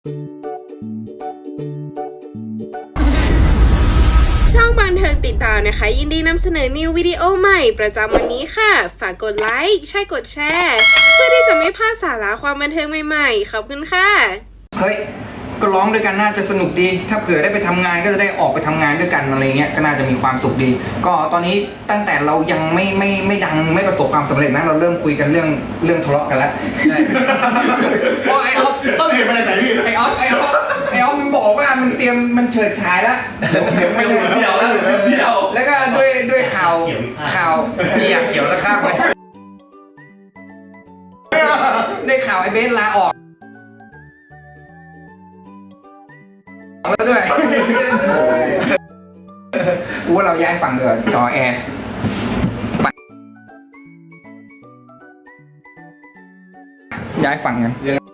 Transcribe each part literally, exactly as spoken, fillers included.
ช่องบันเทิงติดตามนะคะยินดีนำเสนอนิววิดีโอใหม่ประจำวันนี้ค่ะฝากกดไลค์ใช่กดแชร์เพื่อที่จะไม่พลาดสาระความบันเทิงใหม่ๆขอบคุณค่ะเฮ้ยก็ร้องด้วยกันน่าจะสนุกดีถ้าเผื่อได้ไปทำงานก็จะได้ออกไปทำงานด้วยกันอะไรเงี้ยก็น่าจะมีความสุขดีก็ตอนนี้ตั้งแต่เรายังไม่ไม่ไม่ดังไม่ประสบความสำเร็จนะเราเริ่มคุยกันเรื่องเรื่องทะเลาะกันแล้วใช่เพราะไอ้ออฟต้องเห็นมาจากไหนพี่ไอ้ออฟไอ้ออฟไอ้ออฟมันบอกว่ามันเตรียมมันเฉิดฉายแล้วเดี๋ยวเดี๋ยวไม่เดี่ยวแล้วเดี่ยวแล้วก็ด้วยด้วยข่าวข่าวพี่อยากเกี่ยวแล้วข้ามไปได้ข่าวไอ้เบสลาออกแล้วด้วยกูว่าเราย้ายฝั่งเดือดจอแอร์ย้ายฝั่งกัน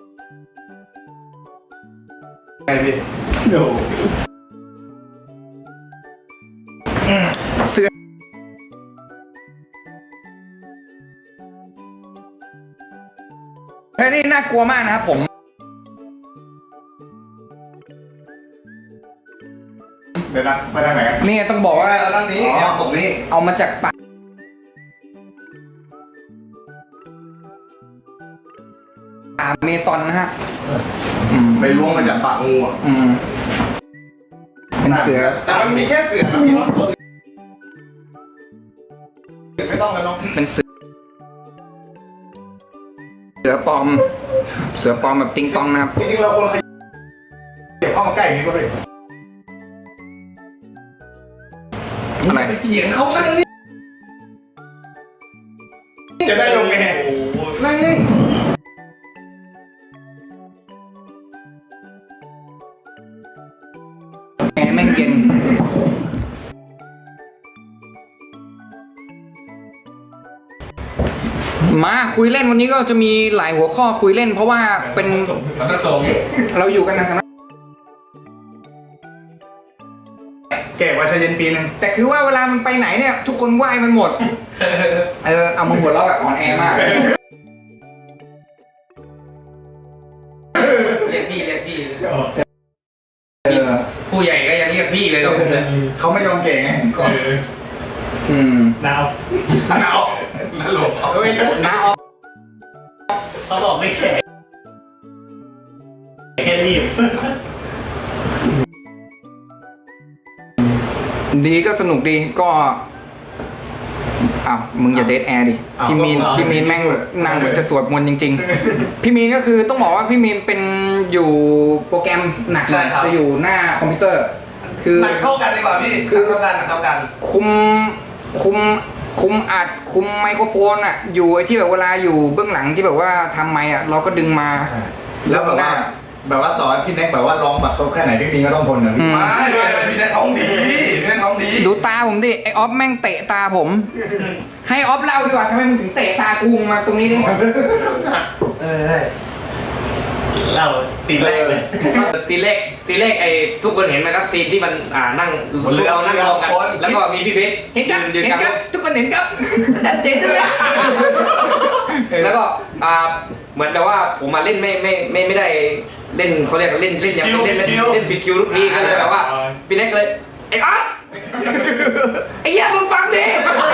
ไงพี่เสื้อเฮ้ยนี่น่ากลัวมากนะครับผมเดี๋ยวนะไปทางไหนนี่ต้องบอกว่าด้านนี้เอาตรงนี้เอามาจากป่าป่าเมซอนนะฮะไปล้วงมาจากปากงูอ่ะเป็นเสือแต่มันมีแค่เสือนะพี่ว่าไม่ต้องแล้วเนาะเป็นเสือเสือปลอมเสือปลอมแบบติงตองนะครับจริงๆเราคนขยับเข้ามาใกล้อย่างนี้ก็ได้อะไรไปเถียงเขานั่งนี่จะได้ลงไงนั่งนี่แอร์แม่งเย็นมาคุยเล่นวันนี้ก็จะมีหลายหัวข้อคุยเล่นเพราะว่าเป็นเราอยู่กันนะแก่กว่าชายเย็นปีนึงแต่คือว่าเวลามันไปไหนเนี่ยทุกคนไหว้มันหมดเออเอามาหัวเราะแบบอ่อนแอมากเรียกพี่เรียกพี่เออผู้ใหญ่ก็ยังเรียกพี่เลยครับผมเลยเขาไม่ยอมแก่ไงอืมหนาวหนาวหนาวหลบเฮ้ยหนาวเขาบอกไม่แข็งแค่รีบดีก็สนุกดีก็อ้าวมึงอย่าเดทแอร์ดิพี่มีนพี่มีนแม่งนางเหมือนจะสวดมนต์จริงๆพี่มีนก็คือต้องบอกว่าพี่มีนเป็นอยู่โปรแกรมหนักจะอยู่หน้าคอมพิวเตอร์คือหนักเข้ากันดีกว่าพี่คือเข้ากันหนักเข้ากันคุมคุมคุมอัดคุมไมโครโฟนอ่ะอยู่ไอ้ที่แบบเวลาอยู่เบื้องหลังที่แบบว่าทำไมอ่ะเราก็ดึงมาแล้วแบบว่าแบบว่าต่อพี่แน็กแบบว่าร้องบัดซบแค่ไหนพี่มีก็ต้องทนนะพี่ไม่ไม่พี่แน็กร้องดีพี่แน็กร้องดีดูตาผมดิไอออฟแม่งเตะตาผมให้ออฟเล่าดีกว่าทำไมมึงถึงเตะตากูมาตรงนี้ดิเออใช่เล่าซีนแรกเลยซีนแรกซีนแรกไอ้ทุกคนเห็นไหมครับซีนที่มันอ่านั่งเรือเอานั่งรอกันแล้วก็มีพี่เบสเห็นกับเห็นกับทุกคนเห็นกับดันเจนใช่ไหมแล้วก็อ่าเหมือนแต่ว่าผมมาเล่นไม่ไม่ไม่ไม่ได้เล่นเขาเรียกเล่นเล่นอย่างเล่นเล่นปิดคิวทุกทีก็เลยแบบว่าพี่เน็กเลยไอ้อ๊อฟไอ้ย่ามึงฟังดิ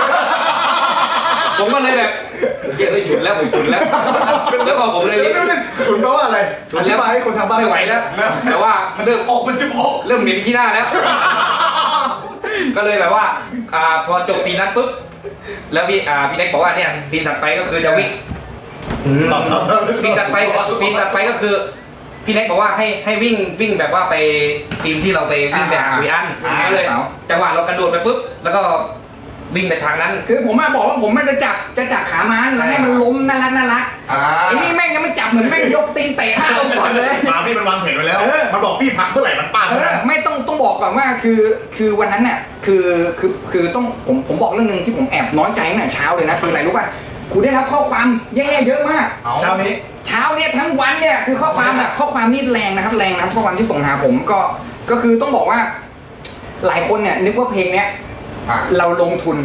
ผมก็เลยแบบเฮ้ยหยุดแล้วผมหยุดแล้วแล้วก็ผมเลยฉุนแปลว่าอะไรอธิบายให้คนทางบ้านไม่ไหวแล้วแต่ว่าเริ่มออกเป็นจุกอกเริ่มเหม็นขี้หน้าแล้วก็เลยแบบว่าอ่าพอจบซีนนั้นปุ๊บแล้วพี่อ่าพี่เน็กบอกว่าเนี่ยซีนถัดไปก็คือจะวิ่งซีนตัดไปซีนตัดไปก็คือพี่เน็กบอกว่าให้ให้วิ่งวิ่งแบบว่าไปซีนที่เราไปวิ่งแบบคุยอันก็เลยจังหวะเรากระโดดไปปุ๊บแล้วก็วิ่งไปทางนั้นคือผมมาบอกว่าผมมันจะจับจะจับขาม้าแล้วให้มันล้มน่ารักน่ารักไอ้นี่แม่งยังไม่จับเหมือนแม่งยกตีนเตะข้าวก่อนเลยมาพี่มันวางแผนไว้แล้วมันบอกพี่พักเมื่อไหร่มันป้าไม่ต้องต้องบอกก่อนว่าคือคือวันนั้นเนี่ยคือคือคือต้องผมผมบอกเรื่องนึงที่ผมแอบน้อยใจตั้งแต่เช้าเลยนะคืออะไรรู้ป่ะกูได้รับข้อความแย่ๆเยอะมากเช้านี้เช้าเนี่ยทั้งวันเนี่ยคือข้อความแบบข้อความนี่แรงนะครับแรงนะข้อความที่ส่งหาผมก็ก็คือต้องบอกว่าหลายคนเนี่ยนึกว่าเพลงเนี้ยเราลงทุน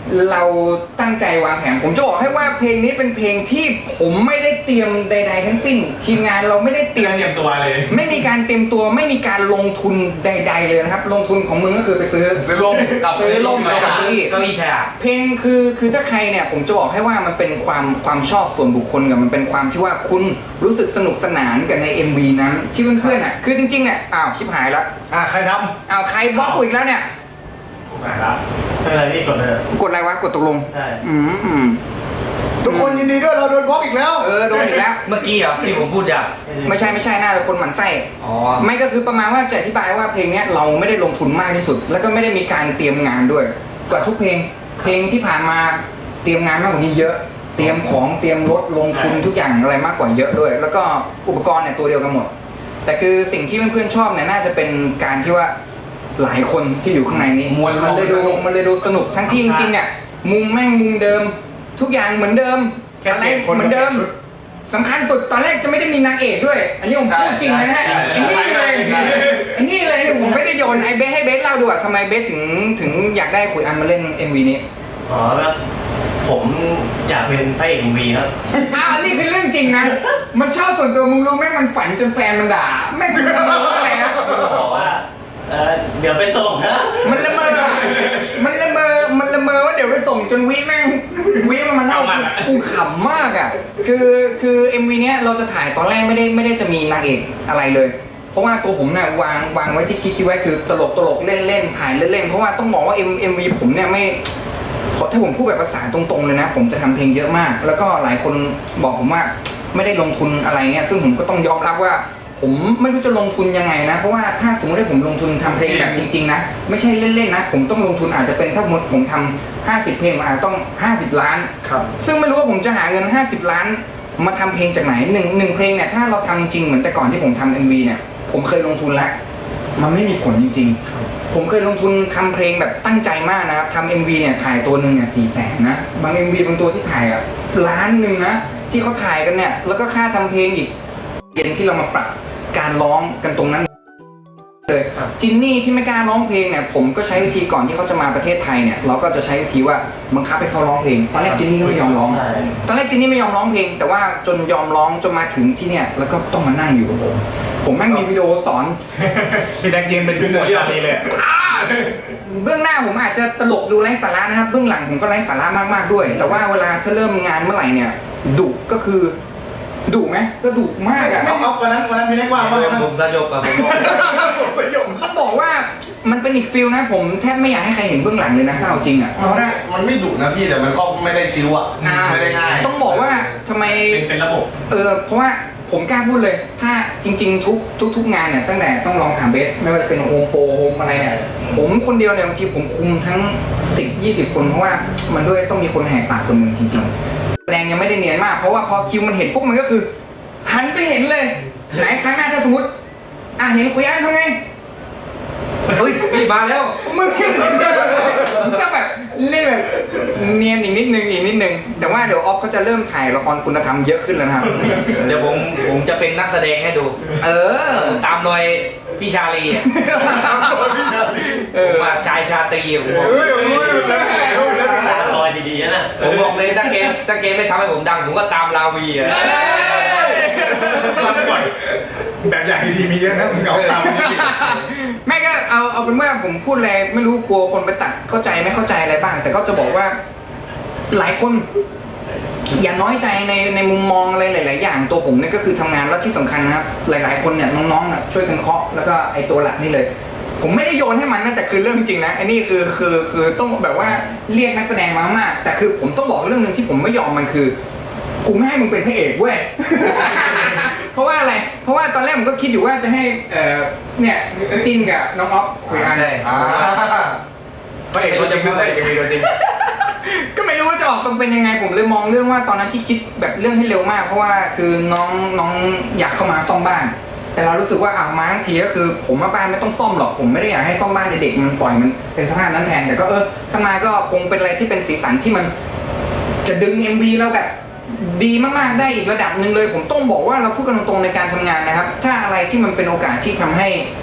เราตั้งใจวางแผนผมจะบอกให้ว่าเพลงนี้เป็นเพลงที่ผมไม่ได้เตรียมใด ๆ ทั้งสิ้นทีมงานเราไม่ได้เตรียมเตรียมตัวเลยไม่มีการเตรียมตัวไม่มีการลงทุนใด ๆ เลยนะครับลงทุนของมึงก็คือไปซื้อซื้อลมกับซื้อร่มเก้าอี้เก้าอี้แชร์เพลงคือคือถ้าใครเนี่ยผมจะบอกให้ว่ามันเป็นความความชอบส่วนบุคคลกับมันเป็นความที่ว่าคุณรู้สึกสนุกสนานกับใน เอ็ม วี นั้นที่เพื่อนๆอ่ะคือจริงๆเนี่ยอ้าวชิบหายแล้วอ่ะใครทอ้าวใครบล็อกกูอีกแล้วเนี่ยมาแล้วเป็นอะไรพี่กดเลยกดอะไรวะกดตกลงใช่อืมอืมำทุกคนยินดีด้วยเราโดนบล็อกอีกแล้วเออโดนอีกแล้วเมื่อกี้เหรอที่ผมพูดอ่ะไม่ใช่ไม่ใช่น่าจะคนหมั่นไส้อ๋อไม่ก็คือประมาณว่าจะอธิบายว่าเพลงเนี้ยเราไม่ได้ลงทุนมากที่สุด แล้วก็ไม่ได้มีการเตรียมงานด้วยกว่าทุกเพลงเพลงที่ผ่านมาเตรียมงานมากกว่านี้เยอะ เตรียมของเตรียมรถลงทุนทุกอย่างอะไรมากกว่าเยอะด้วย แล้วก็อุปกรณ์เนี่ยตัวเดียวกันหมด แต่คือสิ่งที่เพื่อนๆชอบเนี่ยน่าจะเป็นการที่ว่าหลายคนที่อยู่ข้างในนี้มวลรวมมันเลยดูสนุกมันเลยดูสนุกทั้งที่จริงๆเนี่ยมุมแม่งมุมเดิม ทุกอย่างเหมือนเดิมแค่อะไรเปลี่ยนคนเหมือนเดิมกับชุดสำคัญสุดตอนแรกจะไม่ได้มีนางเอกด้วย อันนี้ผมพูดจริงนะฮะใช่ไอ้นี่เลยใช่ไอ้นี่เลยผมไม่ได้โยนไอ้เบสให้เบสเล่าดูอะทำไมเบสถึงถึงอยากได้ขุยอันมาเล่น เอ็ม วี นี้อ๋อครับผมอยากเป็นพระเอกเอ็มวีครับอ้าวอันนี้คือเรื่องจริงนะ มันชอบส่วนตัวมึงรู้ไหมมันฝันจนแฟนมันด่าแม่งคือละเมออะไรนะบอกว่าเออเดี๋ยวไปส่งนะมันละเมออะมันละเมอมันละเมอว่าเดี๋ยวไปส่งจนวิแม่งวิมันมาเล่ากูขำมากอ่ะคือคือ เอ็ม วี เนี้ยเราจะถ่ายตอนแรกไม่ได้ไม่ได้จะมีนางเอกอะไรเลย เพราะว่าตัวผมเนี่ยวางวางไว้ที่คิดคิดไว้คือตลกตลกเล่นเล่นถ่ายเล่นเล่นเพราะว่าต้องบอกว่า M เอ็ม วี ผมเนี่ยไม่เพราะถ้าผมพูดแบบภาษาตรงๆเลยนะ ผมจะทำเพลงเยอะมาก แล้วก็หลายคนบอกผมว่าไม่ได้ลงทุนอะไรเงี้ยซึ่งผมก็ต้องยอมรับว่า ผมไม่รู้จะลงทุนยังไงนะ เพราะว่าถ้าสมมติว่าผมลงทุนทำเพลงแบบจริงๆนะไม่ใช่เล่นๆนะผมต้องลงทุนอาจจะเป็นถ้าสมมติผมทำห้าสิบเพลงอาจจะต้องห้าสิบล้านครับซึ่งไม่รู้ว่าผมจะหาเงินห้าสิบล้านมาทำเพลงจากไหนหนึ่งหนึ่งเพลงเนี่ยถ้าเราทำจริงเหมือนแต่ก่อนที่ผมทำ เอ็ม วี เนี่ยผมเคยลงทุนแล้วมันไม่มีผลจริงๆผมเคยลงทุนทำเพลงแบบตั้งใจมากนะครับทำ เอ็ม วี เนี่ยถ่ายตัวหนึ่งเนี่ยสี่แสนนะบาง เอ็ม วี บางตัวที่ถ่ายอ่ะล้านหนึ่งนะที่เขาถ่ายกันเนี่ยแล้วก็ค่าทำเพลงอีกเย็นที่เรามาปรับการร้องกันตรงนั้นเลยจินนี่ที่ไม่กล้าร้องเพลงเนี่ยผมก็ใช้วิธีก่อนที่เขาจะมาประเทศไทยเนี่ยเราก็จะใช้วิธีว่าบังคับให้เขาร้องเพลงตอนแรกจินนี่ก็ไม่ยอมร้องใช่ตอนแรกจินนี่ไม่ยอมร้องเพลง แต่ว่าจนยอมร้องจนมาถึงที่เนี่ยแล้วก็ต้องมานั่งอยู่กับผมผมแม่งมีวิดีโอสอนพี่แดกเย็นเป็นชุดหมวดชาลีเลยเบื้องหน้าผมอาจจะตลกดูไร้สาระนะครับเบื้องหลังผมก็ไร้สาระมากๆด้วย แต่ว่าเวลาถ้าเริ่มงานเมื่อไหร่เนี่ยดุก็คือดุไหมก็ดุมากอะเอาเอาวันนั้นวันนั้นพี่แดกว่าว่าไงบ้างผมสยบอะผมบอกผมสยบต้องบอกว่ามันเป็นอีกฟิลนะผมแทบไม่อยากให้ใครเห็นเบื้องหลังเลยนะถ้าเอาจริงอะเพราะว่ามันไม่ดุนะพี่แต่มันก็ไม่ได้ชิวอะอ่าไม่ได้ง่ายต้องบอกว่าทำไมเป็นเป็นระบบเออเพราะว่าผมกล้าพูดเลย ถ้าจริง ๆ ทุกทุกทุกงานเนี่ยตั้งแต่ต้องลองถามเบสไม่ว่าจะเป็นโฮมโปรโฮมอะไรเนี่ยผมคนเดียวเนี่ยบางทีผมคุมทั้งสิบยี่สิบคนเพราะว่ามันด้วยต้องมีคนแหกปากคนหนึ่งจริงๆแสดงยังไม่ได้เนียนมากเพราะว่าพอคิวมันเห็นปุ๊บมันก็คือ หันไปเห็นเลย ไหนครั้งหน้าถ้าสมมติอ่ะเห็นคุยอันทำไงเฮ้ยพี่มาแล้วมึงก็แบบเล่นแบบเนียนอีกนิดนึงอีกนิดนึงแต่ว่าเดี๋ยวออฟเขาจะเริ่มถ่ายละครคุณธรรมเยอะขึ้นแล้วนะครับเดี๋ยวผมผมจะเป็นนักแสดงให้ดูเออตามรอยพี่ชาลีอะเอผอมว่าชายชาตรีอะผมบอกเฮ้ยเฮ้ยเฮ้ยเฮ้ยตาลอยดีๆนะผมบอกเลยถ้าเกมถ้าเกมไม่ทำให้ผมดังผมก็ตามลาวีอะฟังก่อนแบบอย่างดีๆมีเยอะนะมึงเอาตามนี้แม่ก็เอาเอาเป็นว่าผมพูดอะไรไม่รู้กลัวคนไปตัดเข้าใจไม่เข้าใจอะไรบ้าง แต่ก็จะบอกว่าหลายคน อย่าน้อยใจในในมุมมองอะไรหลาย ๆ อย่างตัวผมเนี่ยก็คือทำงานแล้วที่สำคัญนะครับ หลาย ๆ คนเนี่ยน้องๆน่ะช่วยกันเคาะแล้วก็ไอตัวหลักนี่เลย ผมไม่ได้โยนให้มันนะแต่คือเรื่องจริงนะไอ้นี่คือคือคือต้องแบบว่าเรียกนักแสดงมามากแต่คือผมต้องบอกเรื่องหนึ่งที่ผมไม่ยอมมันคือกูไม่ให้มึงเป็นพระเอกเว้ย เพราะว่าอะไร เพราะว่าตอนแรกผมก็คิดอยู่ว่าจะให้เอ่อเนี่ยจินกับน้องออฟคุยกันใช่อ่าพระเอกตัวจริงพระเอกยังมีตัวจริงก็ไม่รู้ว่าจะออกมาเป็นยังไงผมเลยมองเรื่องว่าตอนนั้นที่คิดแบบเรื่องให้เร็วมาก เพราะว่าคือน้องน้องอยากเข้ามาซ่อมบ้าน แต่เรารู้สึกว่าอ่ะมาทั้งทีก็คือ ผมว่าบ้านไม่ต้องซ่อมหรอกผมไม่ได้อยากให้ซ่อมบ้านเด็กๆมันปล่อยมันเป็นสภาพนั้นแทนแต่ก็เออถ้ามาก็คงเป็นอะไรที่เป็นสีสันที่มันจะดึง เอ็ม วี เราแบบดีมากๆได้อีกระดับหนึ่งเลย ผมต้องบอกว่าเราพูดกันตรงๆในการทำงานนะครับ ถ้าอะไรที่มันเป็นโอกาสที่ทำให้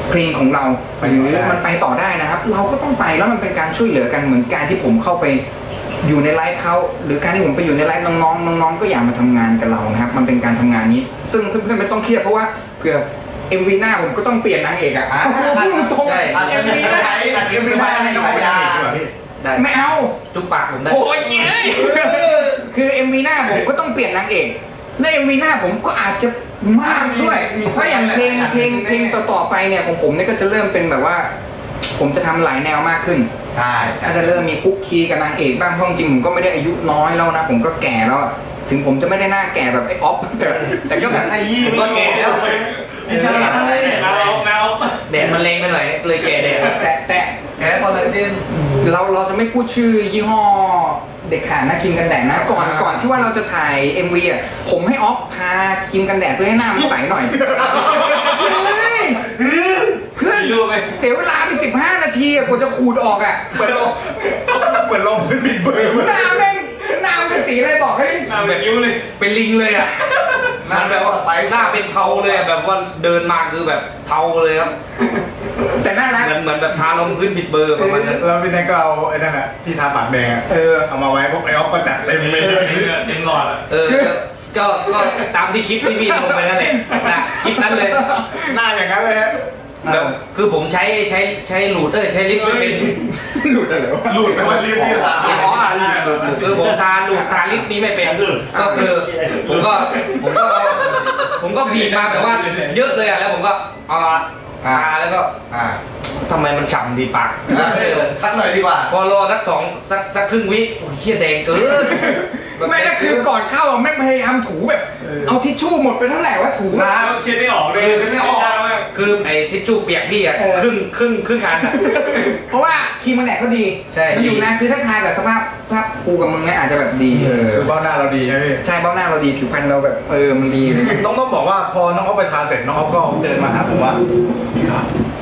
เพลงของเราหรือมันไปต่อได้นะครับ เราก็ต้องไปแล้วมันเป็นการช่วยเหลือกันเหมือนการที่ผมเข้าไปอยู่ในไลฟ์เขาหรือการที่ผมไปอยู่ในไลฟ์น้องๆน้องๆก็อยากมาทำงานกับเรานะครับมันเป็นการทำงานนี้ ซึ่งเพื่อนๆไม่ต้องเครียดเพราะว่าเผื่อ เอ็ม วี หน้าผมก็ต้องเปลี่ยนนางเอกอ่ะพูดตรงใช่เอ็ม วี หน้าเอ็มวีไม่ให้น้องไปได้ดีกว่าพี่ได้ไม่เอาจุ๊บปากผมได้โอ้ยเย้ยคือ เอ็ม วี หน้าผมก็ต้องเปลี่ยนนางเอกและ เอ็ม วี หน้าผมก็อาจจะมากด้วยเพราะอย่างเพลงเพลงเพลงต่อๆไปเนี่ยของผมเนี่ยก็จะเริ่มเป็นแบบว่า ผมจะทำหลายแนวมากขึ้นใช่ใช่ก็จะเริ่มมีคุกคีกับนางเอกบ้างเพราะจริงๆผมก็ไม่ได้อายุน้อยแล้วนะผมก็แก่แล้วอะถึงผมจะไม่ได้หน้าแก่แบบไอ้ออฟแต่แต่ก็แบบไอ้ยี่ผมก็แก่แล้วไม่ใช่เอาเอาแดดมันแรงไปหน่อยเลยแก่แดดแต่แต่แพ้คอลลาเจนเราเราจะไม่พูดชื่อยี่ห้อเด็กขาดนะครีมกันแดดนะก่อนอ่าก่อนที่ว่าเราจะถ่าย เอ็ม วี อ่ะผมให้ออฟทาครีมกันแดดเพื่อให้หน้ามันใสหน่อยเฮ้ยเพื่อนรู้ไหมเสียเวลาไปสิบห้านาทีอะกว่าจะขูดออกอ่ะเหมือนลมเหมือนลมเป็นบิดเบอร์หน้าแม่งหน้ามันเป็นสีอะไรบอกให้เอาแบบยิ้วเลยเป็นลิงเลยอ่ะมันแบบว่าหน้าเป็นเทาเลยอะแบบว่าเดินมาคือแบบเทาเลยครับแต่น่ารักเหมือนเหมือนแบบทาลงพื้นผิดเบอร์ประมาณนั้นแล้วพี่แน็กก็เอาไอ้นั่นอะที่ทาปากแดงอะเออเอามาไว้พวกไอ้ออฟก็จัดเต็มเลยเต็มหลอดอ่ะเออก็ก็ก็ตามที่คลิปที่พี่ลงไปนั่นแหละนะคลิปนั้นเลยหน้าอย่างนั้นเลยฮะแบบคือผมใช้ใช้ใช้หลูดเออใช้ลิปไม่เป็นหลุดอะไรวะหลุดไปวันรีบที่ถามอ๋ออ่ะคือผมทาหลูดทาลิปนี้ไม่เป็นก็คือผมก็ผมก็เอาผมก็บีบมาแบบว่าเยอะเลยอ่ะแล้วผมก็เอามาทาแล้วก็อ่าทำไมมันฉ่ำดีปากสักหน่อยดีกว่าพอรอสักสองสักสักครึ่งวิโอ้ยเฮียแดงเกินไม่ก็คือก่อนเข้าอะแม่งพยายามถูแบบ เอาทิชชู่หมดไปเท่าไหร่ว่าถูน้ำเช็ดไม่ออกเลยคือไม่ออกคือไอ้ทิชชู่เปียกพี่อ่ะเออครึ่งครึ่งครึ่งอันอ่ะเพราะว่าครีมมันแดดเขาดีใช่มันอยู่นะคือถ้าทากับสภาพภาพกูกับมึงเนี่ยอาจจะแบบดีเออคือเบ้าหน้าเราดีใช่ไหมพี่ใช่เบ้าหน้าเราดีผิวพรรณเราแบบเออมันดีเลยต้องต้องบอกว่าพอน้องออฟไปทาเสร็จน้องออฟก็เดินมาหาผมว่าพี่ครับ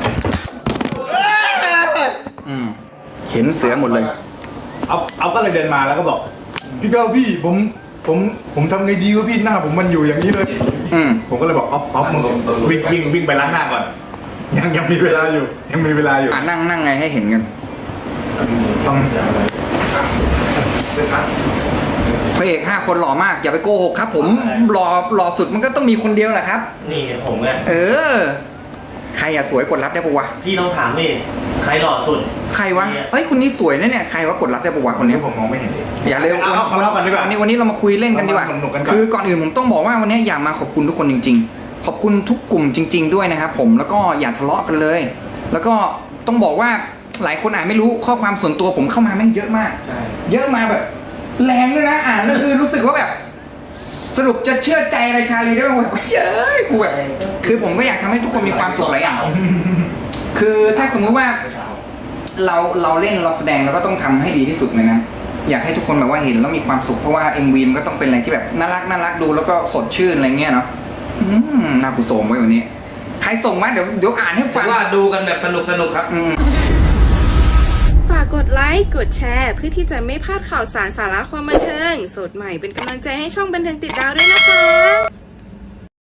อืมเห็นเสือหมดเลยเอาเอาก็เลยเดินมาแล้วก็บอกพี่ก้าวพี่ผมผมผมทำไงดีวะพี่หน้าผมมันอยู่อย่างนี้เลยอืมผมก็เลยบอกออฟออฟมึงวิ่งวิ่งวิ่งไปล้างหน้าก่อน ยังยังมีเวลาอยู่ ยังมีเวลาอยู่อ่านั่งนั่งไงให้เห็นกันต้องพระเอกห้าคนหล่อมากอย่าไปโกหกครับ ผมหล่อหล่อสุดมันก็ต้องมีคนเดียวแหละครับนี่ผมไงเออ ใครอะสวยกดรับได้ปะวะพี่ต้องถามนี่ใครหล่อสุดใครวะเฮ้ยคนนี้สวยนะเนี่ยใครวะกดรับได้ปะวะคนนี้ผมมองไม่เห็นอย่าเร็วเอาเอาของเราก่อนดีกว่าวันนี้วันนี้เรามาคุยเล่นกันดีกว่าเรามาสนุกกันก่อนคือก่อนอื่นผมต้องบอกว่าวันนี้อยากมาขอบคุณทุกคนจริง ๆ ขอบคุณทุกกลุ่มจริง ๆ ด้วยนะครับผมแล้วก็อย่าทะเลาะกันเลย แล้วก็ต้องบอกว่าหลายคนอ่านไม่รู้ข้อความส่วนตัวผมเข้ามาแม่งเยอะมาก เยอะมาแบบ แรงด้วยนะอ่านแล้วคือรู้สึกว่าแบบ สรุปจะเชื่อใจอะไรชาลีได้ไหมแบบเฮ้ยกูแบบคือผมก็อยากทำให้ทุกคนมีความสุขหลายอย่างคือถ้าสมมุติว่า เราเราเล่นเราแสดงเราก็ต้องทำให้ดีที่สุดเลยนะอยากให้ทุกคนแบบว่าเห็นแล้วมีความสุขเพราะว่า เอ็ม วี มันก็ต้องเป็นอะไรที่แบบน่ารักน่ารักดูแล้วก็สดชื่นอะไรเงี้ยเนาะอืมน่ากุศลไว้วันนี้ ใครส่งมาเดี๋ยวเดี๋ยวอ่านให้ผฟัมงว่าดูกันแบบสนุกสนุกครับอืมฝากกดไลค์ กดแชร์ เพื่อที่จะไม่พลาดข่าวสารสาระความบันเทิง สดใหม่เป็นกำลังใจให้ช่องบันเทิงติดดาวด้วยนะคะ